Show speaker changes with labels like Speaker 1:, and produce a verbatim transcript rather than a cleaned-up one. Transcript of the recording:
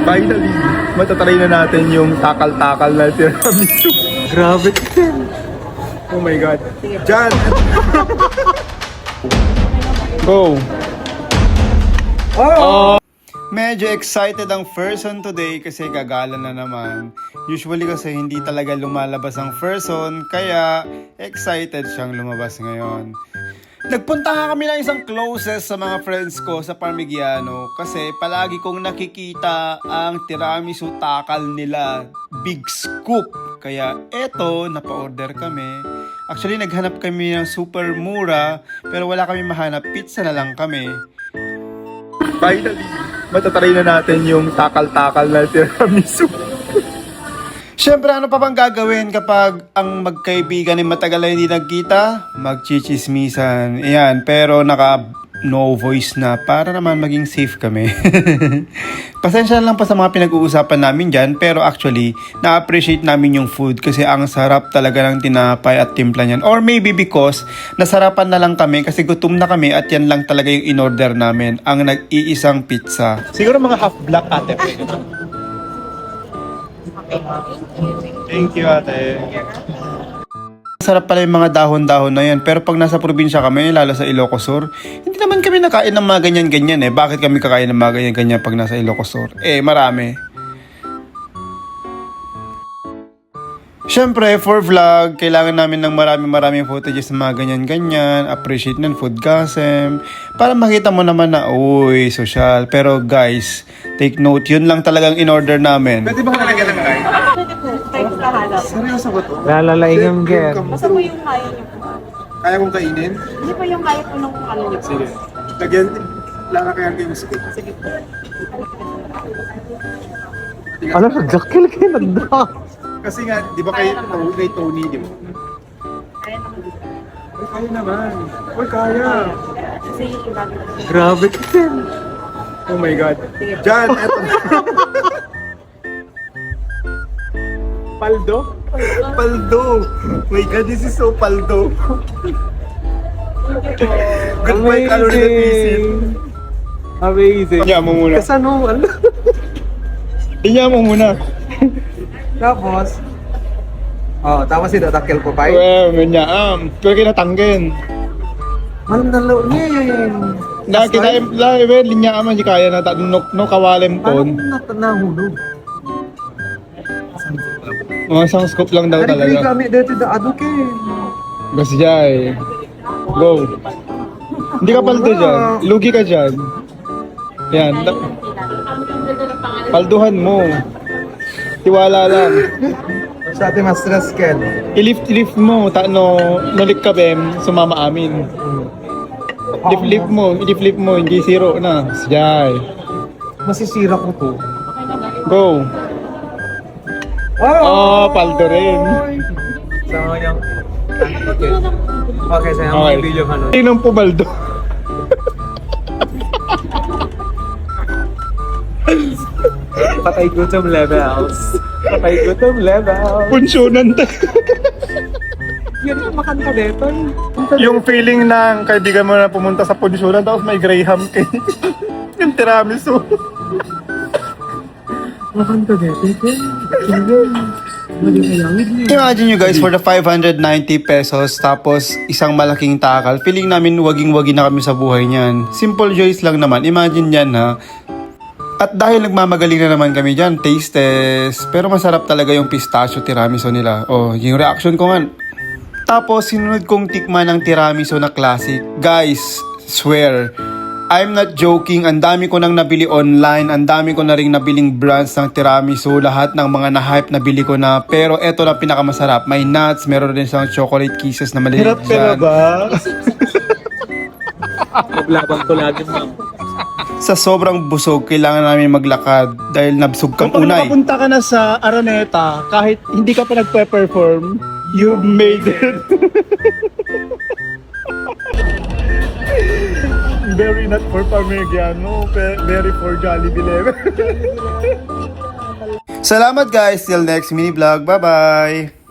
Speaker 1: Finally, matatry na natin yung takal-takal na tiramisu. Grabe din. Oh my God. Jan! Go! Oh! Medyo excited ang person today kasi gagala na naman. Usually kasi hindi talaga lumalabas ang person, kaya excited siyang lumabas ngayon. Nagpunta nga kami ng isang closest sa mga friends ko sa Parmigiano kasi palagi kong nakikita ang tiramisu takal nila, Big Scoop. Kaya eto, napa-order kami. Actually, naghanap kami ng super mura pero wala kami mahanap, pizza na lang kami. Finally, matatry na natin yung takal-takal na tiramisu. Siyempre, ano pa bang gagawin kapag ang magkaibigan ay matagal na hindi nagkita? Magchichismisan. Ayan, pero naka no voice na para naman maging safe kami. Pasensya lang pa sa mga pinag-uusapan namin dyan, pero actually, na-appreciate namin yung food kasi ang sarap talaga ng tinapay at timpla niyan. Or maybe because nasarapan na lang kami kasi gutom na kami at yan lang talaga yung in-order namin, ang nag-iisang pizza. Siguro mga half black ate. Thank you, ate. Sarap pala yung mga dahon-dahon na yan. Pero pag nasa probinsya kami, lalo sa Ilocos Sur, hindi naman kami nakain ng mga ganyan-ganyan eh. Bakit kami kakain ng mga ganyan-ganyan pag nasa Ilocos Sur? Eh, marami. Siyempre, for vlog, kailangan namin ng marami-maraming footages ng mga ganyan-ganyan, appreciate ng food gasem, para makita mo naman na, uy, social. Pero guys, take note, yun lang talagang in-order namin. Pwede ba ka nalagyan ng kain?
Speaker 2: Thanks ka halap.
Speaker 1: Seryoso ba to?
Speaker 3: Lalalaing girl.
Speaker 2: Basta po yung kaya niyo po.
Speaker 1: Kaya kong kainin?
Speaker 2: Hindi po yung kaya po nung ano niyo po.
Speaker 1: Sige. Lagyan, lang kaya kayo sige.
Speaker 2: Sige po.
Speaker 3: Alam mo, dakil kayo nagda.
Speaker 1: Kasi nga, di ba kay, kay Tony, di ba?
Speaker 2: Kaya naman.
Speaker 1: Ay, kaya naman. Uy, kaya.
Speaker 2: Kasi yung iba.
Speaker 3: Grabe kayo.
Speaker 1: Oh my God. Jan, eto. Paldo? Paldo. My God, this is so paldo. Goodbye, calorie deficit.
Speaker 3: Amazing.
Speaker 1: Inya mo muna.
Speaker 3: Kasi ano, ano?
Speaker 1: Inya mo muna.
Speaker 3: Tapos, oh, tapos si Datakil po pa.
Speaker 1: Well, ganyan. Um, pero kinatanggen.
Speaker 3: Malam na lo niya yun.
Speaker 1: Na kita la even linya aman di kaya na ta no, no kawalem
Speaker 3: Paano
Speaker 1: ton.
Speaker 3: na nahulog?
Speaker 1: Mga isang scoop lang daw
Speaker 3: Kaya
Speaker 1: talaga.
Speaker 3: kami dito da adukin.
Speaker 1: Basta jay. Go. Hindi ka paldo dyan. Lugi ka dyan. Yan. Da- palduhan mo. Tiwala lang.
Speaker 3: Sa ating mas stress ken.
Speaker 1: I-lift-lift mo. Ta no, nalik ka bem, sumama amin. Lift-lift mo. I-lift-lift mo. Hindi zero na. Jay.
Speaker 3: Masisira ko to.
Speaker 1: Go. Oh, paldo rin.
Speaker 3: So, yung... Okay. Okay, so yung
Speaker 1: Okay.
Speaker 3: mga video ano.
Speaker 1: Sinong pumaldo?
Speaker 3: Patay gutom levels. Patay gutom levels.
Speaker 1: Punsyonan tayo.
Speaker 3: Yan ang makanta dito.
Speaker 1: Yung feeling ng kaibigan mo na pumunta sa punsyonan tapos may graham cake. Yung tiramisu.
Speaker 3: Makanta dito.
Speaker 1: Imagine nyo guys, for the five hundred ninety pesos tapos isang malaking takal, feeling namin waging-wagi na kami sa buhay niyan. Simple joys lang naman, imagine yan ha. At dahil nagmamagaling na naman kami dyan, taste test. Pero masarap talaga yung pistachio tiramisu nila. Oh, yung reaction ko nga. Tapos sinunod kong tikman ng tiramisu na classic. Guys, swear, I'm not joking, ang dami ko nang nabili online, ang dami ko na rin nabiling brands ng tiramisu, lahat ng mga na-hype nabili ko na, pero eto na pinakamasarap, may nuts, meron din siyang chocolate kisses na maliit
Speaker 3: Hirap ka na
Speaker 1: dyan.
Speaker 3: ba? Maglabang ko lagi ma'am.
Speaker 1: Sa sobrang busog, kailangan namin maglakad dahil nabsog kang
Speaker 4: Kung
Speaker 1: unay.
Speaker 4: nakapunta ka na sa Araneta, kahit hindi ka pa nagpe-perform,
Speaker 1: You made it!
Speaker 4: very not for Parmigiano, pe- very for Jollibee level.
Speaker 1: Salamat guys, till next mini vlog, bye bye!